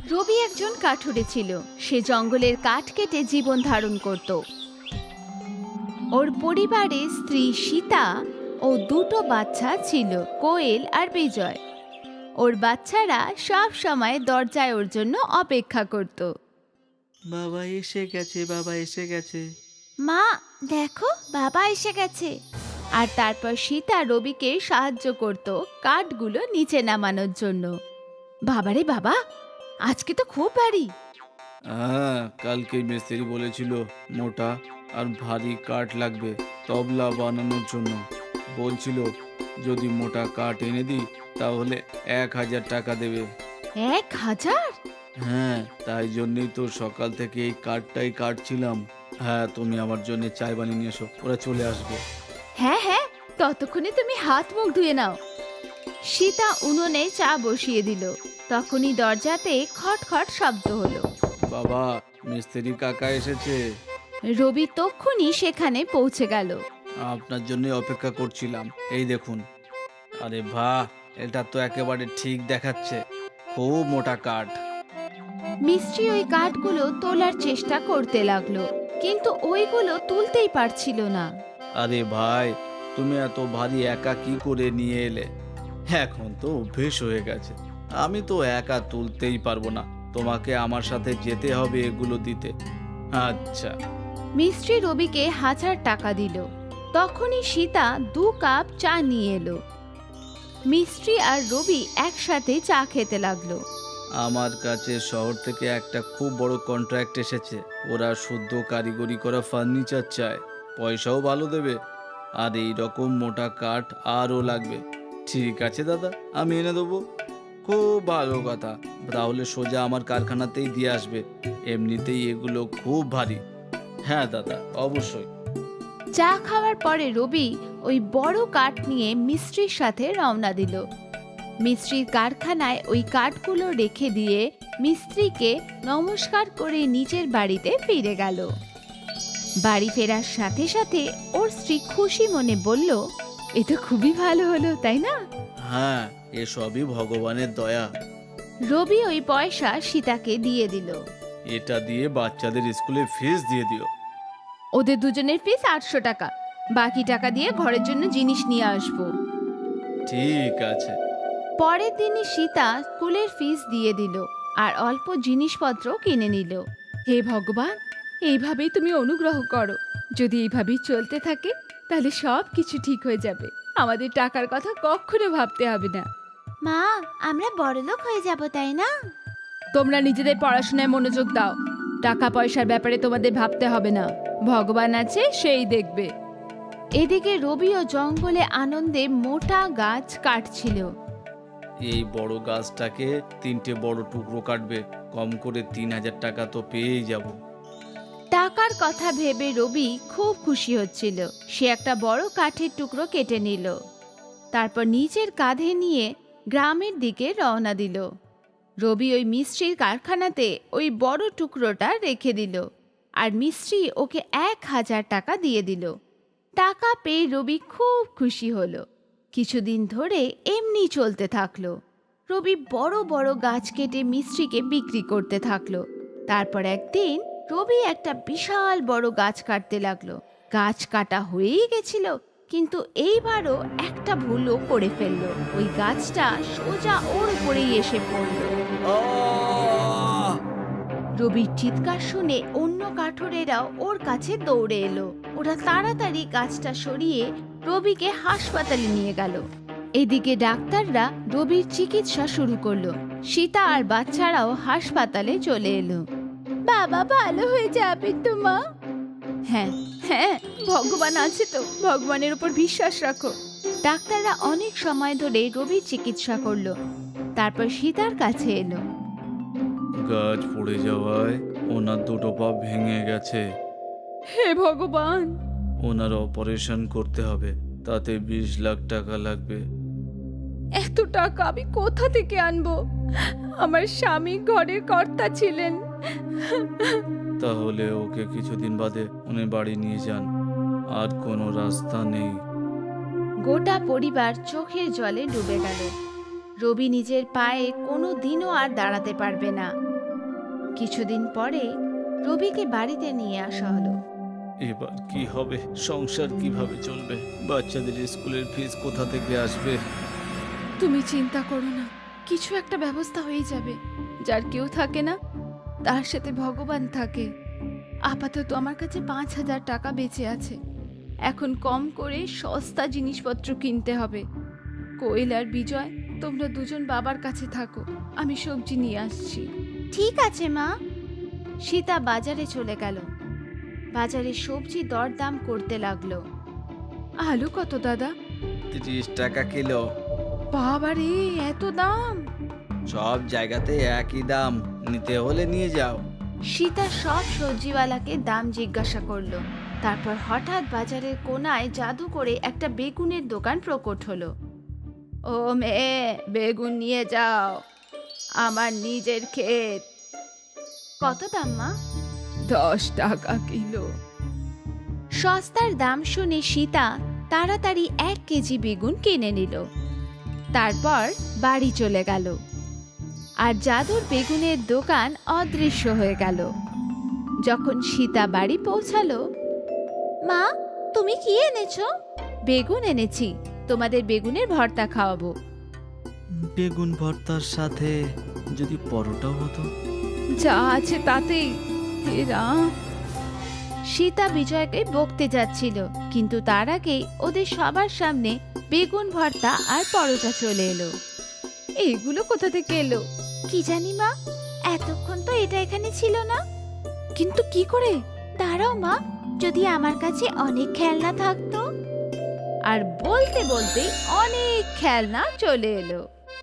রবি একজন কাঠুরে ছিল। সে জঙ্গলের কাঠ কেটে জীবন ধারণ করত। ওর পরিবারে স্ত্রী সীতা ও দুটো বাচ্চা ছিল, কোয়েল আর বিজয়। ওর বাচ্চারা সব সময় দরজায় ওর জন্য অপেক্ষা করত। বাবা এসে গেছে, বাবা এসে গেছে। মা, দেখো বাবা এসে গেছে। আর তারপর সীতা রবিকে সাহায্য করত কাঠগুলো নিচে নামানোর জন্য। বাবারে বাবা, আজকে তো খুব ভারী। হ্যাঁ, কালকে মিস্ত্রি বলেছিল মোটা আর ভারী কাঠ লাগবে তবলা বানানোর জন্য। বলছিল যদি মোটা কাঠ এনে দিই তাহলে 1000 টাকা দেবে। 1000? হ্যাঁ, তাই জন্যই তো সকাল থেকে এই কাঠটাই কাটছিলাম। হ্যাঁ, তুমি আমার জন্য চায় বানিয়ে নিয়ে এসো, ওরা চলে আসবে। হ্যাঁ হ্যাঁ, ততক্ষণে তুমি হাত মুখ ধুয়ে নাও। সীতা উনুনে চা বসিয়ে দিল। তখনই দরজাতে খটখট শব্দ হলো। বাবা, মিস্ত্রি কাকা এসেছে। রবি তক্ষুনি সেখানে পৌঁছে গেল। আপনার জন্যই অপেক্ষা করছিলাম। এই দেখুন। আরে বাহ, এটা তো একেবারে ঠিক দেখাচ্ছে। খুব মোটা কাঠ। মিস্ত্রি ওই কাঠগুলো তোলার চেষ্টা করতে লাগলো, কিন্তু ওইগুলো তুলতেই পারছিল না। আরে ভাই, তুমি এত ভারী একা কি করে নিয়ে এলে? এখন তো অভ্যেস হয়ে গেছে। আমি তো একা তুলতেই পারবো না, তোমাকে আমার সাথে যেতে হবে এগুলো দিতে। আচ্ছা। মিস্ত্রি রবিকে 1000 টাকা দিল। তখনই সীতা 2 কাপ চা নিয়ে এলো। মিস্ত্রি আর রবি একসাথে চা খেতে লাগলো। আমার কাছে শহর থেকে একটা খুব বড় কন্ট্রাক্ট এসেছে। ওরা শুদ্ধ কারিগরি করা ফার্নিচার চায়, পয়সাও ভালো দেবে, আর এই রকম মোটা কাঠ আরও লাগবে। ঠিক আছে দাদা, আমি এনে দেবো। খুব ভালো কথা, তাহলে সোজা আমার কারখানাতেই দিয়ে আসবে। এমনিতেই এগুলো খুব ভারী। হ্যাঁ দাদা, অবশ্যই। চা খাওয়ার পরে রবি ওই বড় কাঠ নিয়ে মিস্ত্রির সাথে রওনা দিল। মিস্ত্রির কারখানায় ওই কাঠগুলো রেখে দিয়ে মিস্ত্রিকে নমস্কার করে নিজের বাড়িতে ফিরে গেল। বাড়ি ফেরার সাথে সাথে ওর স্ত্রী খুশি মনে বলল, এ তো খুবই ভালো হলো, তাই না? হ্যাঁ, এসবই ভগবানের দয়া। রবি ওই পয়সা সীতাকে দিয়ে দিল। এটা দিয়ে বাচ্চাদের স্কুলে ফিস দিয়ে দিও। ওদের দুজনের ফিস 800 টাকা। বাকি টাকা দিয়ে ঘরের জন্য জিনিস নিয়ে আসবো। ঠিক আছে। পরের দিনই সীতা স্কুলের ফিস দিয়ে দিল আর অল্প জিনিসপত্র কিনে নিল। হে ভগবান, এইভাবেই তুমি অনুগ্রহ করো। যদি এইভাবেই চলতে থাকে তাহলে সব কিছু ঠিক হয়ে যাবে। আমাদের টাকার কথা কখনো ভাবতে হবে না। মা, আমরা বড়লোক হয়ে যাব, তাই না? তোমরা নিজেদের পড়াশোনায় মনোযোগ দাও। টাকা পয়সার ব্যাপারে তোমাদের ভাবতে হবে না। ভগবান আছে, সেই দেখবে। এদিকে রবিও জঙ্গলে আনন্দে মোটা গাছ কাটছিল। এই বড় গাছটাকে 3টে বড় টুকরো কাটবে, কম করে 3000 টাকা তো পেয়েই যাব। টাকার কথা ভেবে রবি খুব খুশি হচ্ছিল। সে একটা বড় কাঠের টুকরো কেটে নিল। তারপর নিজের কাঁধে নিয়ে গ্রামের দিকে রওনা দিল। রবি ওই মিস্ত্রির কারখানাতে ওই বড় টুকরোটা রেখে দিল, আর মিস্ত্রি ওকে 1000 টাকা দিয়ে দিল। টাকা পেয়ে রবি খুব খুশি হলো। কিছুদিন ধরে এমনি চলতে থাকলো। রবি বড় বড় গাছ কেটে মিস্ত্রিকে বিক্রি করতে থাকলো। তারপর একদিন রবি একটা বিশাল বড় গাছ কাটতে লাগলো। গাছ কাটা হয়েই গেছিল, কিন্তু এইবারও একটা ভুলও করে ফেললো। ওই গাছটা সোজা ওর উপরেই এসে পড়লো। রবির চিৎকার শুনে অন্য কাঠুরেরাও ওর কাছে দৌড়ে এলো। ওরা তাড়াতাড়ি গাছটা সরিয়ে রবিকে হাসপাতালে নিয়ে গেল। এদিকে ডাক্তাররা রবির চিকিৎসা শুরু করলো। সীতা আর বাচ্চারাও হাসপাতালে চলে এলো। বাবা ভালো হয়ে যাবে তো মা? হ্যাঁ হ্যাঁ, ভগবান আছে তো, ভগবানের উপর বিশ্বাস রাখো। ডাক্তাররা অনেক সময় ধরে রবির চিকিৎসা করলো। তারপর সীতার কাছে এলো। গাছ পড়ে যাওয়ায় ওনার দুটো পা ভেঙে গেছে। হে ভগবান! ওনার অপারেশন করতে হবে, তাতে 20 লাখ টাকা লাগবে। এত টাকা আমি কোথা থেকে আনবো? আমার স্বামী ঘরের কর্তা ছিলেন। তাহলে ওকে কিছুদিন বাদে উনি বাড়ি নিয়ে যান, আর কোনো রাস্তা নেই। গোটা পরিবার চোখের জলে ডুবে গেল। রবি নিজের পায়ে কোনো দিনও আর দাঁড়াতে পারবে না। কিছুদিন পরে রবিকে বাড়িতে নিয়ে আসা হলো। এবার কি হবে, সংসার কিভাবে চলবে, বাচ্চাদের স্কুলের ফিস কোথা থেকে আসবে? তুমি চিন্তা করো না, কিছু একটা ব্যবস্থা হয়ে যাবে। যার কেউ থাকে না, তার সাথে ভগবান থাকে। আপাতত আমার কাছে 5,000 টাকা বেঁচে আছে। এখন কম করে সস্তা জিনিসপত্র কিনতে হবে। কোয়েল আর বিজয়, তোমরা দুজন বাবার কাছে থাকো, আমি সবজি নিয়ে আসছি। ঠিক আছে মা। সীতা বাজারে চলে গেল। বাজারে সবজি দরদাম করতে লাগলো। আলু কত দাদা? 30 টাকা কিলো। বাবারে, এত দাম! সব জায়গাতে একই দাম, নিতে হলে নিয়ে যাও। সীতা সব সবজিওয়ালাকে দাম জিজ্ঞাসা করলো। তারপর হঠাৎ বাজারের কোনায় জাদু করে একটা বেগুনের দোকান প্রকট হলো। ও মেয়ে, বেগুন নিয়ে যাও, আমার নিজের ক্ষেত। কত দাম মা? 10 টাকা কিলো। সস্তার দাম শুনে সীতা তাড়াতাড়ি 1 কেজি বেগুন কিনে নিল। তারপর বাড়ি চলে গেল। আর জাদুর বেগুনের দোকান অদৃশ্য হয়ে গেল। যখন সীতা বাড়ি পৌঁছালো, মা, তুমি কি এনেছো? বেগুন এনেছি, তোমাদের বেগুনের ভর্তা খাওয়াবো। বেগুন ভর্তার সাথে যদি পরোটাও হতো। যা আছে তাতেই। হে রাম! সীতা বিজয়কে বকতে যাচ্ছিল, কিন্তু তার আগেই ওদের সবার সামনে বেগুন ভর্তা আর পরোটা চলে এলো। এইগুলো কোথা থেকে এলো? কি জানি মা, এতক্ষণ তো এটা এখানে ছিল না। কিন্তু কি করে? দাঁড়াও মা, যদি আমার কাছে অনেক খেলনা থাকতো। আর বলতে বলতে অনেক খেলনা চলে এলো।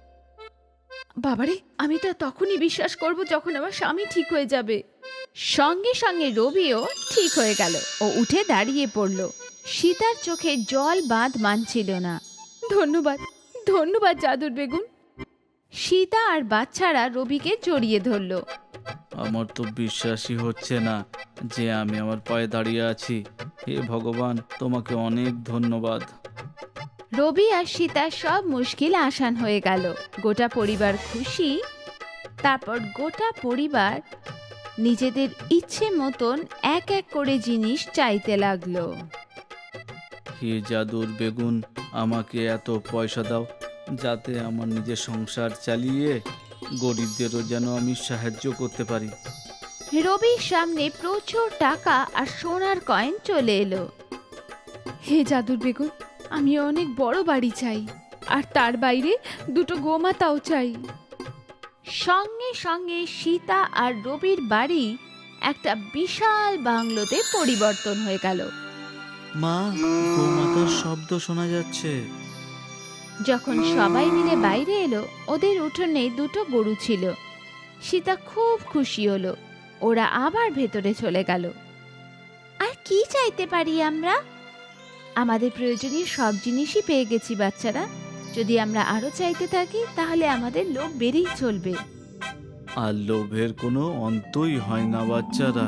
বাবারে, আমি তো তখনই বিশ্বাস করব যখন আমার স্বামী ঠিক হয়ে যাবে। সঙ্গে সঙ্গে রবিও ঠিক হয়ে গেল। ও উঠে দাঁড়িয়ে পড়ল। সীতার চোখে জল বাঁধ মানছিল না। ধন্যবাদ, ধন্যবাদ জাদুর বেগুন। সীতা আর বাচ্চারা রবিকে জড়িয়ে ধরল। আমার তো বিশ্বাসই হচ্ছে না যে আমি আমার পায়ে দাঁড়িয়ে আছি। হে ভগবান, তোমাকে অনেক ধন্যবাদ। রবি আর সীতার সব মুশকিল আসান হয়ে গেল। গোটা পরিবার খুশি। তারপর গোটা পরিবার নিজেদের ইচ্ছে মতন এক এক করে জিনিস চাইতে লাগলো। হে জাদুর বেগুন, আমাকে এত পয়সা দাও যাতে আমার নিজের সংসার চালিয়ে গরিবদেরও যেন আমি সাহায্য করতে পারি। রবির সামনে প্রচুর টাকা আর সোনার কয়েন চলে এলো। হে জাদুর বেগুন, আমি অনেক বড় বাড়ি চাই, আর তার বাইরে 2টো গোমাতাও চাই। সঙ্গে সঙ্গে সীতা আর রবির বাড়ি একটা বিশাল বাংলোতে পরিবর্তন হয়ে গেল। মা, গোমাতার শব্দ শোনা যাচ্ছে। যখন সবাই মিলে বাইরে এলো, ওদের উঠোনে 2টো গরু ছিল। সীতা খুব খুশি হলো। ওরা আবার ভেতরে চলে গেল। আর কি চাইতে পারি আমরা? আমাদের প্রয়োজনীয় সব জিনিসই পেয়ে গেছি বাচ্চারা। যদি আমরা আরো চাইতে থাকি তাহলে আমাদের লোভ বেড়েই চলবে। আর লোভের কোনো অন্তই হয় না বাচ্চারা।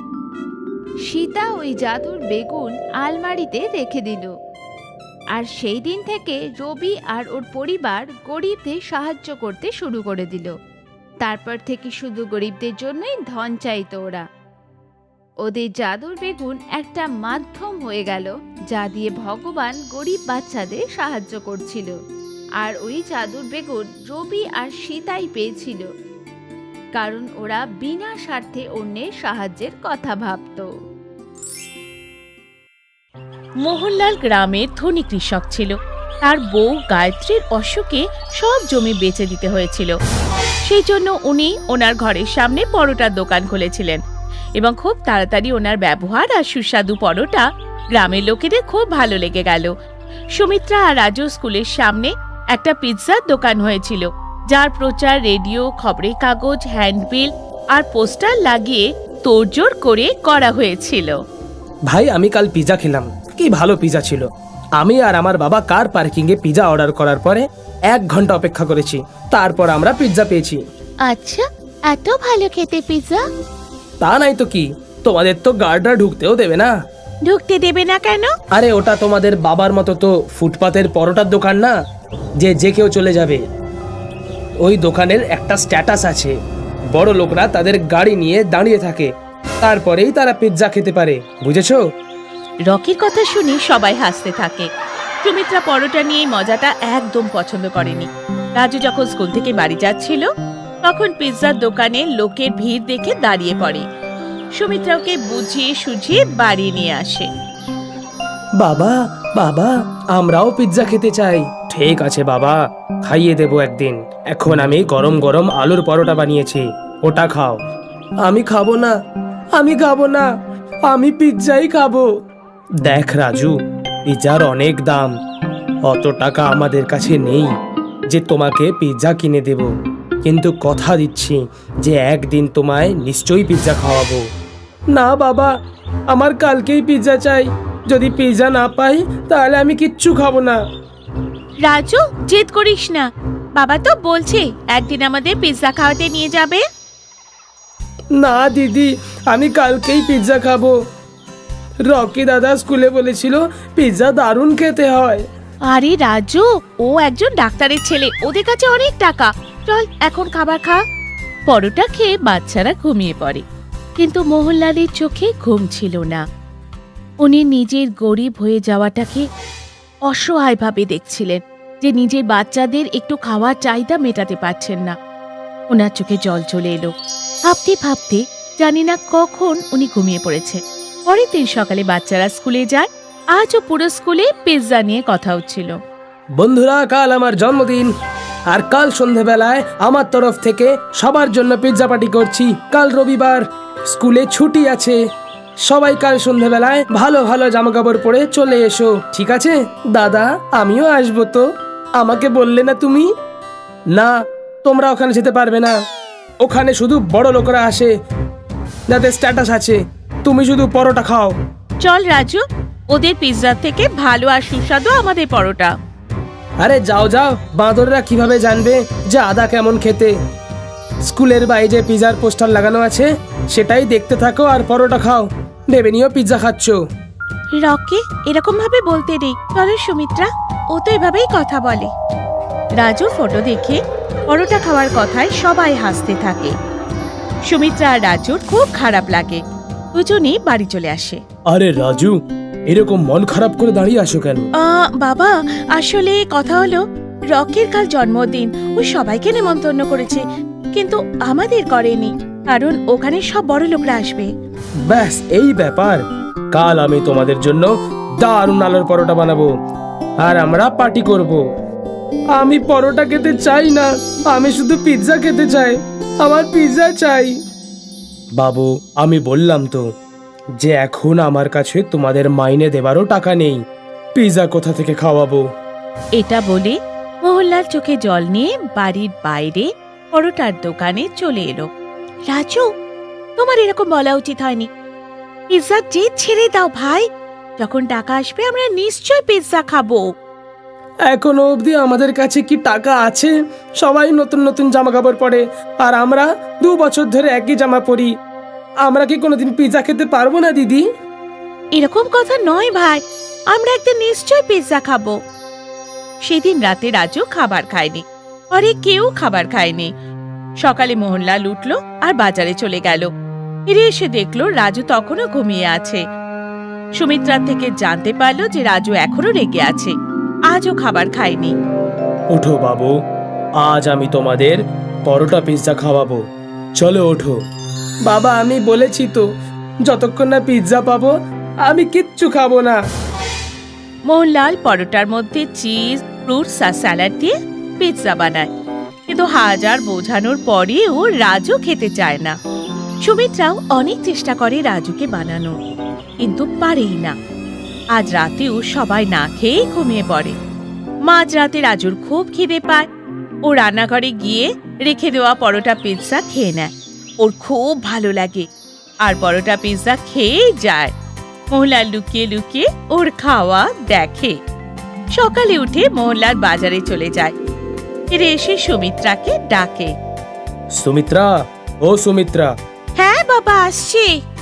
সীতা ওই জাদুর বেগুন আলমারিতে রেখে দিল। আর সেই দিন থেকে রবি আর ওর পরিবার গরিবদের সাহায্য করতে শুরু করে দিল। তারপর থেকে শুধু গরিবদের জন্যই ধন চাইতো ওরা। ওদের জাদুর বেগুন একটা মাধ্যম হয়ে গেল, যা দিয়ে ভগবান গরিব বাচ্চাদের সাহায্য করছিল। আর ওই জাদুর বেগুন রবি আর সীতাই পেয়েছিল, কারণ ওরা বিনা স্বার্থে অন্যের সাহায্যের কথা ভাবত। মোহনলাল গ্রামের ধনী কৃষক ছিল। তার বউ গায়ত্রীর অসুখে সব জমি বেচে দিতে হয়েছিল। সেই জন্য উনি ওনার ঘরের সামনে পরোটার দোকান খুলেছিলেন এবং খুব তাড়াতাড়ি ওনার ব্যবহার আর সুস্বাদু পরোটা গ্রামের লোকেদের খুব ভালো লেগে গেল। সুমিত্রা আর রাজু স্কুলের সামনে একটা পিৎজার দোকান হয়েছিল, যার প্রচার রেডিও, খবরের কাগজ, হ্যান্ডবিল আর পোস্টার লাগিয়ে তোড়জোড় করে করা হয়েছিল। ভাই, আমি কাল পিৎজা খেলাম, কি ভালো পিৎজা ছিল। আমি আর আমার বাবা কার পার্কিংয়ে পিৎজা অর্ডার করার পরে 1 ঘন্টা অপেক্ষা করেছি, তারপর আমরা পিৎজা পেয়েছি। আচ্ছা, এত ভালো খেতে পিৎজা? তা নাই তো কি, তোমাদের তো গার্ডরা ঢুকতেও দেবে না। ঢুকতে দেবে না কেন? আরে ওটা তোমাদের বাবার মতো তো ফুটপাতের পরোটার দোকান না যে যে কেউ চলে যাবে। ওই দোকানের একটা স্ট্যাটাস আছে, বড় লোকরা তাদের গাড়ি নিয়ে দাঁড়িয়ে থাকে, তারপরেই তারা পিৎজা খেতে পারে, বুঝেছো? রকির কথা শুনে সবাই হাসতে থাকে। সুমিত্রা পরোটা নিয়ে এই মজাটা একদম পছন্দ করেনি। রাজু যখন স্কুল থেকে বাড়ি যাচ্ছিল তখন পিৎজার দোকানে লোকের ভিড় দেখে দাঁড়িয়ে পড়ে। সুমিত্রা ওকে বুঝিয়ে সুঝিয়ে বাড়ি নিয়ে আসে। বাবা, বাবা, আমরাও পিৎজা খেতে চাই। ঠিক আছে বাবা, খাইয়ে দেবো একদিন। এখন আমি গরম গরম আলুর পরোটা বানিয়েছি, ওটা খাও। আমি খাবো না, আমি খাবো না, আমি পিৎজাই খাবো। দেখ রাজু, পিৎজার অনেক দাম, অত টাকা আমাদের কাছে নেই যে তোমাকে পিৎজা কিনে দেব, কিন্তু কথা দিচ্ছি যে একদিন তোমায় নিশ্চয়ই পিৎজা খাওয়াবো। না বাবা, আমার কালকেই পিৎজা চাই। যদি পিৎজা না পাই তাহলে আমি কিচ্ছু খাবো না। রাজু, জেদ করিস না, বাবা তো বলছে একদিন আমাদের পিৎজা খাওয়াতে নিয়ে যাবে। না দিদি, আমি কালকেই পিৎজা খাবো। রকি দাদা স্কুলে বলেছিল পিৎজা দারুণ খেতে হয়। আরে রাজু, ও একজন ডাক্তারের ছেলে, ওদের কাছে অনেক টাকা। চল এখন খাবার খা। পরোটা খেয়ে বাচ্চারা ঘুমিয়ে পড়ে, কিন্তু মোহনলালের চোখে ঘুম ছিল না। উনি নিজের গরিব হয়ে যাওয়াটাকে অসহায়ভাবে দেখছিলেন, যে নিজের বাচ্চাদের একটু খাওয়ার চাহিদা মেটাতে পারছেন না। ওনার চোখে জল চলে এলো। ভাবতে ভাবতে জানি না কখন উনি ঘুমিয়ে পড়েছে। পরের দিন সকালে বাচ্চারা স্কুলে যায়। আজও পুরো স্কুলে পিৎজা নিয়ে কথা হচ্ছিল। বন্ধুরা, কাল আমার জন্মদিন, আর কাল সন্ধেবেলায় আমার তরফ থেকে সবার জন্য পিৎজা পার্টি করছি। কাল রবিবার, স্কুলে ছুটি আছে। সবাই কাল সন্ধেবেলায় ভালো ভালো জামা কাপড় পরে চলে এসো, ঠিক আছে? দাদা, আমিও আসবো তো, আমাকে বললে না তুমি? না, তোমরা ওখানে যেতে পারবে না, ওখানে শুধু বড় লোকরা আসে যাদের স্ট্যাটাস আছে। তুমি শুধু পরোটা খাও। চল রাজু, ওদের পিৎজা থেকে ভালো আর সুস্বাদু আমাদের পরোটা। আরে যাও যাও, বাঁদররা কিভাবে জানবে যে আদা কেমন খেতে? স্কুলের বাইরে যে পিৎজার পোস্টার লাগানো আছে সেটাই দেখতে থাকো আর পরোটা খাও। ভেবে নিও পিৎজা খাচ্ছ। রকি, এরকম ভাবে বলতে নেই। চলো সুমিত্রা, ও তো এভাবেই কথা বলে। রাজুর ফটো দেখে পরোটা খাওয়ার কথায় সবাই হাসতে থাকে। সুমিত্রা আর রাজুর খুব খারাপ লাগে। দুজনেই বাড়ি চলে আসে। আরে রাজু, এরকম মন খারাপ করে দাঁড়িয়ে আসো কেন? বাবা, আসলে কথা হলো রকির কাল জন্মদিন, ও সবাইকে নেমন্তন্ন করেছে, কিন্তু আমাদের করেনি, কারণ ওখানে সব বড় লোকরা আসবে। ব্যাস এই ব্যাপার। কাল আমি তোমাদের জন্য দারুণ আলুর পরোটা বানাবো আর আমরা পার্টি করব। আমি পরোটা খেতে চাই না, আমি শুধু পিৎজা খেতে চাই। আমার পিৎজা চাই। বাবু, আমি বললাম তো যে এখন আমার কাছে তোমাদের মাইনে দেবারও টাকা নেই। পিৎজা কোথা থেকে খাওয়াবো? এটা বলে মোহনলাল চোখে জল নিয়ে বাড়ির বাইরে পরোটার দোকানে চলে এলো। রাজু, তোমার এরকম বলা উচিত হয়নি। পিৎজা জেদ ছেড়ে দাও ভাই, যখন টাকা আসবে আমরা নিশ্চয় পিৎজা খাবো। এখনো অবধি আমাদের কাছে কি টাকা আছে? সবাই নতুন নতুন জামা কাপড় পরে আর আমরা 2 বছর ধরে একই জামা পরি। আমরা কি কোনোদিন পিৎজা খেতে পারবো না দিদি? এরকম কথা নয় ভাই, আমরা একদিন নিশ্চয় পিৎজা খাবো। সেদিন রাতে রাজু খাবার খায়নি, পরে কেউ খাবার খায়নি। সকালে মোহনলাল উঠলো আর বাজারে চলে গেল। ফিরে এসে দেখলো রাজু তখনও ঘুমিয়ে আছে। সুমিত্রার থেকে জানতে পারলো যে রাজু এখনো রেগে আছে, আজও খাবার খায়নি। ওঠো বাবু, আজ আমি তোমাদের পরোটা পিৎজা খাওয়াবো। চলো ওঠো। বাবা, আমি বলেছি তো যতক্ষণ না পিৎজা পাবো আমি কিচ্ছু খাবো না। মোহনলাল পরোটার মধ্যে চিজ, ফ্রুটস আর স্যালাড দিয়ে পিৎজা বানায়, কিন্তু হাজার বোঝানোর পরেও রাজু খেতে চায় না। সুমিত্রাও অনেক চেষ্টা করে রাজুকে বানানো, কিন্তু পারেই না। আজ রাতেও সবাই না খেয়ে ঘুমিয়ে পড়ে। মাঝরাতে রাজুর খুব খিদে পায়। ও রান্নাঘরে গিয়ে রেখে দেওয়া পরোটা পিৎজা খেয়ে নেয়। ওর খুব ভালো লাগে আর পরোটা পিৎজা খেয়েই যায়। মোহনলাল লুকিয়ে লুকিয়ে ওর খাওয়া দেখে। সকালে উঠে মোহনলাল বাজারে চলে যায়। ফিরে এসে সুমিত্রাকে ডাকে। সুমিত্রা, ও সুমিত্রা। হ্যাঁ বাবা, আসছি।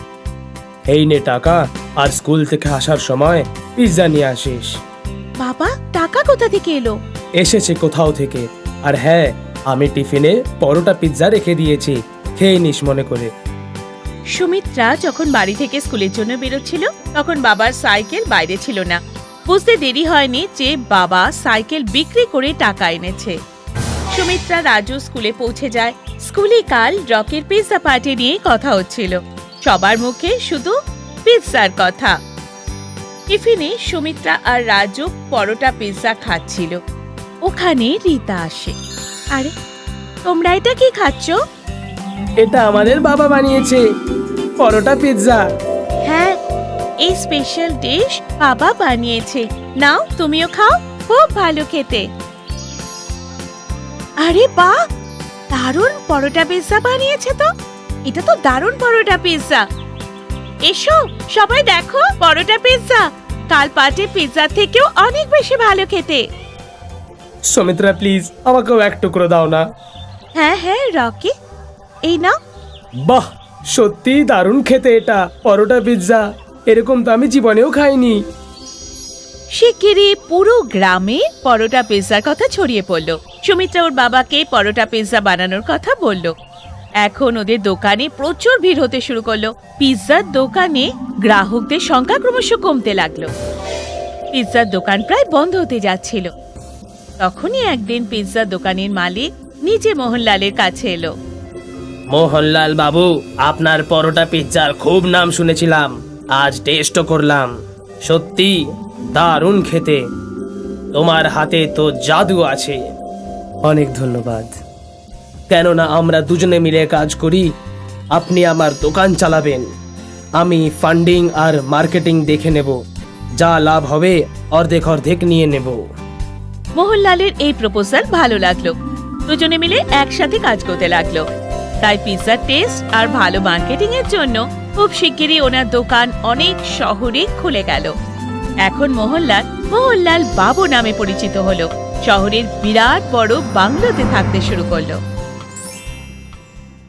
এই নে টাকা, আর স্কুল থেকে আসার সময় পিৎজা নিয়ে আসিস। বাবা, টাকা কোথা থেকে এলো? এসেছে কোথাও থেকে। আর হ্যাঁ, আমি টিফিনে পরোটা পিৎজা রেখে দিয়েছি, খেয়ে নিস মনে করে। সুমিত্রা যখন বাড়ি থেকে স্কুলের জন্য বেরোচ্ছিল তখন বাবার সাইকেল বাইরে ছিল না। বুঝতে দেরি হয়নি যে বাবা সাইকেল বিক্রি করে টাকা এনেছে। সুমিত্রা রাজু স্কুলে পৌঁছে যায়। স্কুলে কাল রকের পিৎজা পার্টি নিয়ে কথা হচ্ছিল। সবার মুখে শুধু পিৎজার কথা। টিফিনে সুমিত্রা আর রাজু পরোটা পিৎজা খাচ্ছিল। ওখানে রীতা আসে। আরে তোমরা এটা কি খাচ্ছ? এটা আমাদের বাবা বানিয়েছে, পরোটা পিৎজা। হ্যাঁ, এই স্পেশাল ডিশ বাবা বানিয়েছে। নাও তুমিও খাও, খুব ভালো খেতে। আরে বাহ, দারুণ পরোটা পিৎজা বানিয়েছে তো। এটা তো দারুণ পরোটা পিৎজা। এসো সবাই দেখো পরোটা পিৎজা। কাল পার্টির পিৎজা থেকেও অনেক বেশি ভালো খেতে। সুমিত্রা প্লিজ আমাকেও এক টুকরো দাও না। হ্যাঁ হ্যাঁ রকি, এই নাও। বাহ, সত্যি দারুণ খেতে এটা পরোটা পিৎজা। এরকম তো আমি জীবনেও খাইনি। শিগগিরই পুরো গ্রামে পরোটা পিৎজার কথা ছড়িয়ে পড়ল। সুমিত্রা ওর বাবাকে পরোটা পিৎজা বানানোর কথা বলল। এখন ওদের দোকানে প্রচুর ভিড় হতে শুরু করলো। পিৎজার দোকানে গ্রাহকদের সংখ্যা ক্রমশ কমতে লাগলো। পিৎজার দোকান প্রায় বন্ধ হতে যাচ্ছিল। তখনই একদিন পিৎজার দোকানের মালিক নিজে মোহনলালের কাছে এলো। মোহনলাল বাবু, আপনার পরোটা পিৎজার খুব নাম শুনেছিলাম, আজ টেস্টও করলাম। সত্যি দারুণ খেতে। তোমার হাতে তো জাদু আছে। অনেক ধন্যবাদ। কেননা আমরা দুজনে মিলে কাজ করি। আপনি আমার দোকান চালাবেন, আমি ফান্ডিং আর মার্কেটিং দেখে নেব। যা লাভ হবে অর্ধেক অর্ধেক নিয়ে নেব। মোহনলালের এই প্রপোজাল ভালো লাগলো। দুজনে মিলে একসাথে কাজ করতে লাগলো। তাই পিৎজার টেস্ট আর ভালো মার্কেটিং এর জন্য খুব শিগগিরই ওনার দোকান অনেক শহরে খুলে গেল। এখন মোহনলাল বাবু নামে পরিচিত হলো। শহরের বিরাট বড় বাংলোতে থাকতে শুরু করলো।